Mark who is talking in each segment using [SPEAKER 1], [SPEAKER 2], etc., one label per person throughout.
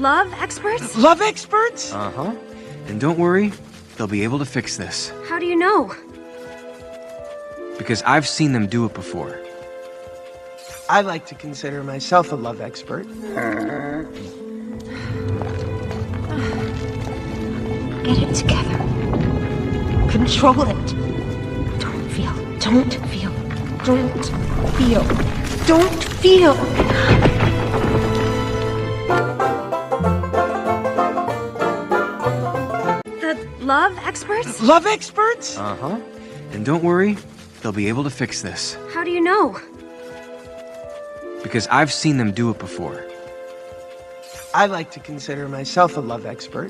[SPEAKER 1] love experts?
[SPEAKER 2] Love experts?
[SPEAKER 3] Uh-huh. And don't worry, they'll be able to fix this.
[SPEAKER 1] How do you know?
[SPEAKER 3] Because I've seen them do it before.
[SPEAKER 2] I like to consider myself a love expert.
[SPEAKER 4] Get it together. Control it. Don't feel. Don't feel. Don't feel. Don't feel.
[SPEAKER 1] The love experts?
[SPEAKER 2] Love experts?
[SPEAKER 3] Uh-huh. And don't worry, they'll be able to fix this.
[SPEAKER 1] How do you know?
[SPEAKER 3] Because I've seen them do it before.
[SPEAKER 2] I like to consider myself a love expert.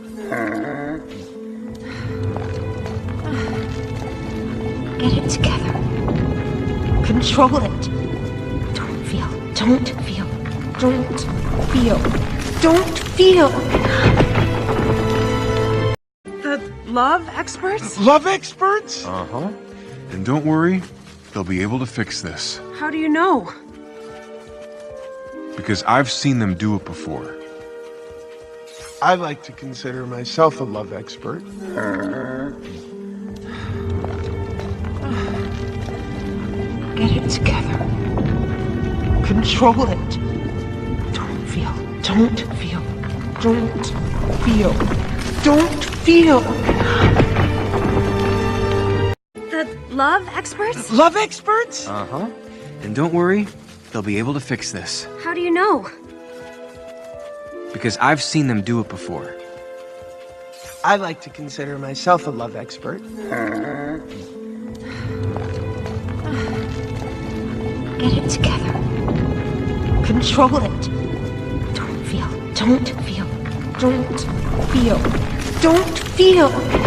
[SPEAKER 4] Get it together. Control it. Don't feel. Don't feel. Don't feel. Don't feel.
[SPEAKER 1] The love experts?
[SPEAKER 2] Love experts?
[SPEAKER 3] Uh-huh. And don't worry, they'll be able to fix this.
[SPEAKER 1] How do you know?
[SPEAKER 3] Because I've seen them do it before.
[SPEAKER 2] I like to consider myself a love expert.
[SPEAKER 4] Get it together. Control it. Don't feel. Don't feel. Don't feel. Don't feel.
[SPEAKER 1] The love experts?
[SPEAKER 2] Love experts?
[SPEAKER 3] Uh-huh. And don't worry, they'll be able to fix this.
[SPEAKER 1] How do you know?
[SPEAKER 3] Because I've seen them do it before.
[SPEAKER 2] I like to consider myself a love expert.
[SPEAKER 4] Get it together. Control it. Don't feel. Don't feel. Don't feel. Don't feel.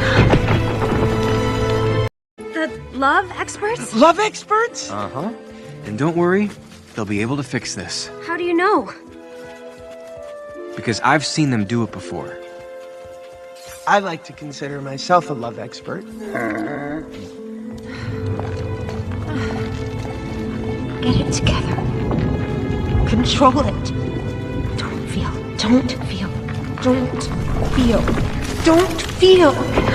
[SPEAKER 1] The love experts?
[SPEAKER 2] Love experts?
[SPEAKER 3] Uh-huh. And don't worry, they'll be able to fix this.
[SPEAKER 1] How do you know?
[SPEAKER 3] Because I've seen them do it before.
[SPEAKER 2] I like to consider myself a love expert.
[SPEAKER 4] Get it together. Control it. Don't feel. Don't feel. Don't feel. Don't feel.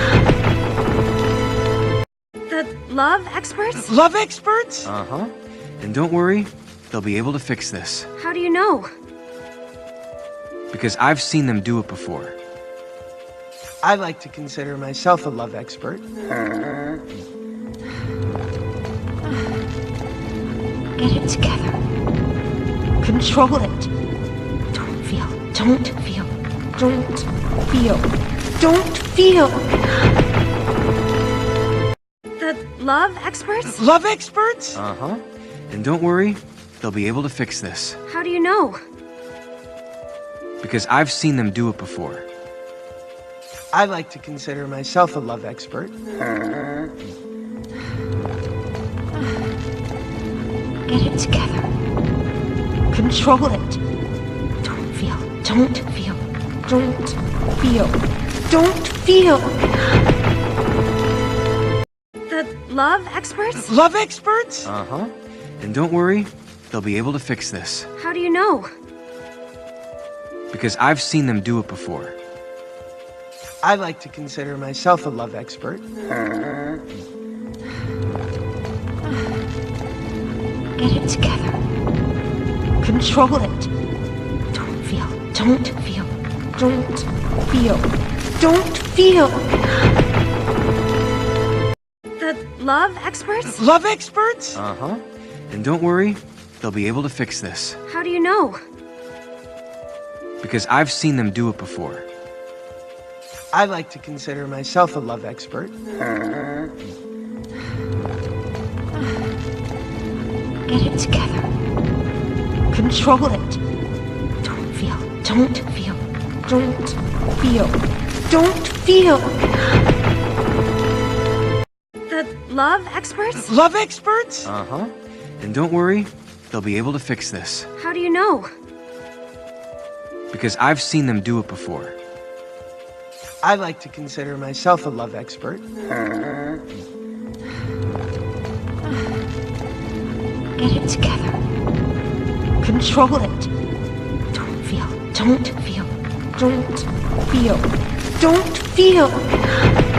[SPEAKER 1] The love experts?
[SPEAKER 2] Love experts?
[SPEAKER 3] Uh-huh. And don't worry, they'll be able to fix this.
[SPEAKER 1] How do you know?
[SPEAKER 3] Because I've seen them do it before.
[SPEAKER 2] I like to consider myself a love expert.
[SPEAKER 4] Get it together. Control it. Don't feel. Don't feel. Don't feel. Don't feel.
[SPEAKER 1] The love experts?
[SPEAKER 2] Love experts?
[SPEAKER 3] Uh-huh. And don't worry, they'll be able to fix this.
[SPEAKER 1] How do you know?
[SPEAKER 3] Because I've seen them do it before.
[SPEAKER 2] I like to consider myself a love expert.
[SPEAKER 4] Get it together. Control it. Don't feel. Don't feel. Don't feel. Don't feel.
[SPEAKER 1] The love experts?
[SPEAKER 2] Love experts?
[SPEAKER 3] Uh-huh. And don't worry, they'll be able to fix this.
[SPEAKER 1] How do you know?
[SPEAKER 3] Because I've seen them do it before.
[SPEAKER 2] I like to consider myself a love expert.
[SPEAKER 4] Get it together. Control it. Don't feel. Don't feel. Don't feel. Don't feel.
[SPEAKER 1] The love experts?
[SPEAKER 2] Love experts?
[SPEAKER 3] Uh-huh. And don't worry, they'll be able to fix this.
[SPEAKER 1] How do you know?
[SPEAKER 3] Because I've seen them do it before.
[SPEAKER 2] I like to consider myself a love expert.
[SPEAKER 4] Get it together. Control it. Don't feel. Don't feel. Don't feel. Don't feel.
[SPEAKER 1] The love experts?
[SPEAKER 2] Love experts?
[SPEAKER 3] Uh-huh. And don't worry, they'll be able to fix this.
[SPEAKER 1] How do you know?
[SPEAKER 3] Because I've seen them do it before.
[SPEAKER 2] I like to consider myself a love expert.
[SPEAKER 4] Get it together. Control it. Don't feel. Don't feel. Don't feel. Don't feel.